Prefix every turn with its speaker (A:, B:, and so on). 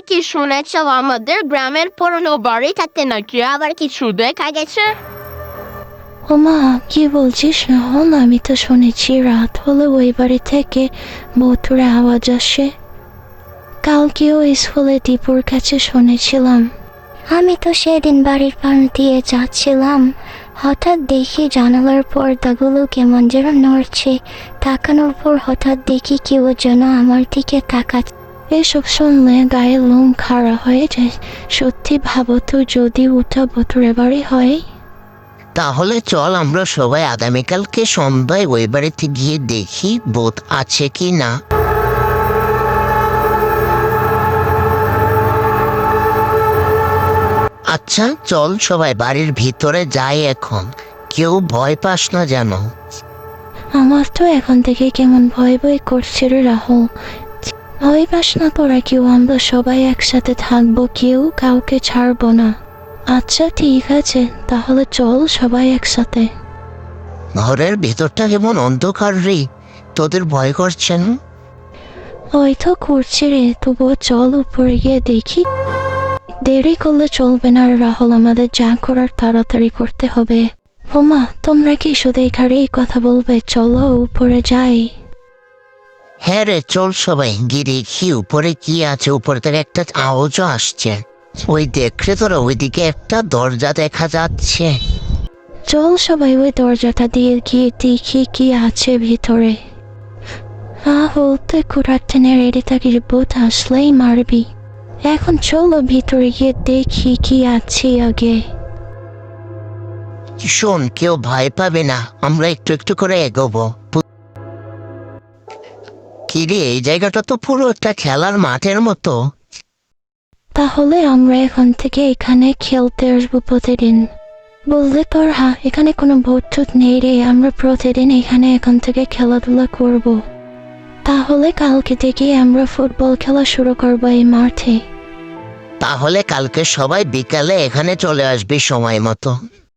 A: কি শুনেছ আমাদের গ্রামের পুরনো বাড়িটাতে নাকি আবার কিছু দেখা গেছে?
B: ওমা, কি বলছিস রাহুল? আমি তো শুনেছি রাত হলে ওই বাড়ি থেকে ভুতুড়ে আওয়াজ আসে। কালকেও স্কুলে দীপুর কাছে শুনেছিলাম। আমি তো সেদিন বাড়ির পাশ দিয়ে যাচ্ছিলাম, হঠাৎ দেখি জানালার পর্দাগুলো কেমন যেন নড়ছে। তাকানোর পর হঠাৎ দেখি কেউ যেন আমার দিকে তাকাচ্ছে। এসব শুনলে গায়ে লোম খাড়া হয়ে যায়। সত্যি ভাবো তো, যদি ওটা ভুতুড়ে বাড়ি হয়।
C: তাহলে চল আমরা সবাই আগামীকালকে সন্ধ্যায় ওই বাড়িতে গিয়ে দেখি ভূত আছে কি না। আচ্ছা চল সবাই বাড়ির ভিতরে যাই এখন। কেউ ভয় পাস না যেন।
B: আমার তো এখন থেকে কেমন ভয় ভয় করছে রে রাহুল। ভয় পাস না তোরা কেউ, আমরা সবাই একসাথে থাকবো, কেউ কাউকে ছাড়বো না। আচ্ছা ঠিক আছে, তাহলে চল সবাই একসাথে।
C: ঘরের ভেতরটা কেমন অন্ধকার রে, তোদের ভয় করছে না?
B: ওই তো করছে রে, তবুও চল উপরে গিয়ে দেখি। দেরি করলে চলবে না রে রাহুল, আমাদের যা করার তাড়াতাড়ি করতে হবে। ওমা, তোমরা কি শুধু এখানেই কথা বলবে? চলো উপরে যাই।
C: হ্যাঁ রে চল সবাই গিয়ে দেখি উপরে কি আছে। উপর থেকে একটা আওয়াজও আসছে। ওই দেখলে তোরা ওইদিকে একটা দরজা দেখা যাচ্ছে।
B: চল সবাই ওই দরজাটা দিয়ে গিয়ে দেখি কি আছে ভিতরে। রাহুল, তুই কুড়ার টেনে রেডি থাকিস, ভূত আসলেই মারবি। এখন চলো ভিতরে গিয়ে দেখি কি আছে আগে।
C: শোন, কেউ ভয় পাবে না, আমরা একটু একটু করে এগোবো। কিরে, এই জায়গাটা তো পুরো একটা খেলার মাঠের মতো।
B: তাহলে আমরা এখন থেকে এখানে খেলতে আসবো প্রতিদিন। বললে তোর এখানে কোনো ভূত টুত নেই রে, আমরা প্রতিদিন এখানে এখন থেকে খেলাধুলা করব। তাহলে কালকে থেকে আমরা ফুটবল খেলা শুরু করবো এই মাঠে।
C: তাহলে কালকে সবাই বিকালে এখানে চলে আসবি সময় মতো।